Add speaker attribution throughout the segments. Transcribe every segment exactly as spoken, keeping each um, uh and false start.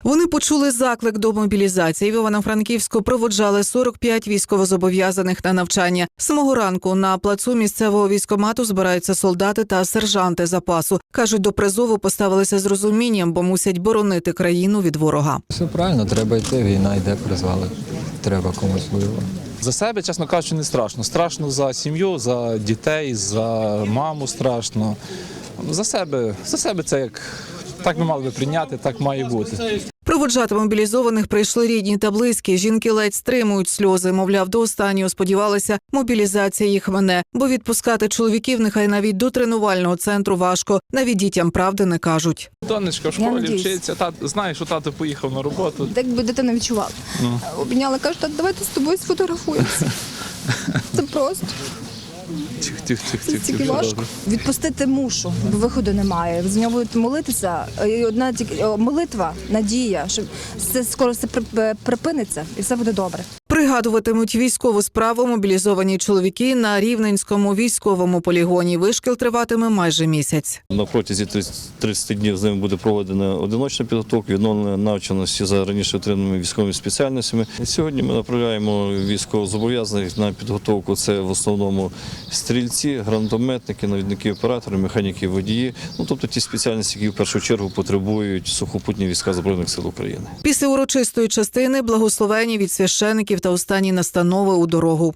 Speaker 1: Вони почули заклик до мобілізації. В Івано-Франківську проводжали сорок п'ять військовозобов'язаних на навчання. З самого ранку на плацу місцевого військкомату збираються солдати та сержанти запасу. Кажуть, до призову поставилися з розумінням, бо мусять боронити країну від ворога.
Speaker 2: Все правильно, треба йти, війна йде, призвали. Треба комусь воювати.
Speaker 3: За себе, чесно кажучи, не страшно. Страшно за сім'ю, за дітей, за маму страшно. За себе, за себе це як так ми мали би прийняти, так має бути.
Speaker 1: Проводжати мобілізованих прийшли рідні та близькі. Жінки ледь стримують сльози. Мовляв, до останнього сподівалися, мобілізація їх мене. Бо відпускати чоловіків нехай навіть до тренувального центру важко. Навіть дітям правди не кажуть.
Speaker 3: Донечка в школі вчиться, тат, знає, що тато поїхав на роботу.
Speaker 4: Так би дитина відчувала. Ну. Обняла, каже, так, давайте з тобою сфотографуємося. Це просто.
Speaker 3: Тих, тих, тих,
Speaker 4: Це
Speaker 3: тих,
Speaker 4: тільки
Speaker 3: тих,
Speaker 4: важко. Відпустити мушу, бо виходу немає. За нього будуть молитися. І одна тільки молитва, надія, що це скоро все припиниться і все буде добре.
Speaker 1: Пригадуватимуть військову справу мобілізовані чоловіки на Рівненському військовому полігоні. Вишкіл триватиме майже місяць.
Speaker 5: На протязі тридцяти днів з ними буде проведена одиночна підготовка, відновлення навченості за раніше отриманими військовими спеціальностями. Сьогодні ми направляємо військовозобов'язаних на підготовку. Це в основному стрільці, гранатометники, навідники, оператори, механіки, водії. Ну, тобто ті спеціальності, які в першу чергу потребують сухопутні війська Збройних сил України.
Speaker 1: Після урочистої частини благословені від священиків та останні настанови у дорогу.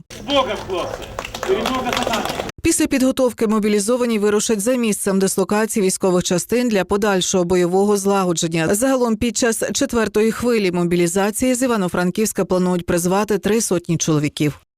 Speaker 1: Після підготовки мобілізовані вирушать за місцем дислокації військових частин для подальшого бойового злагодження. Загалом під час четвертої хвилі мобілізації з Івано-Франківська планують призвати три сотні чоловіків.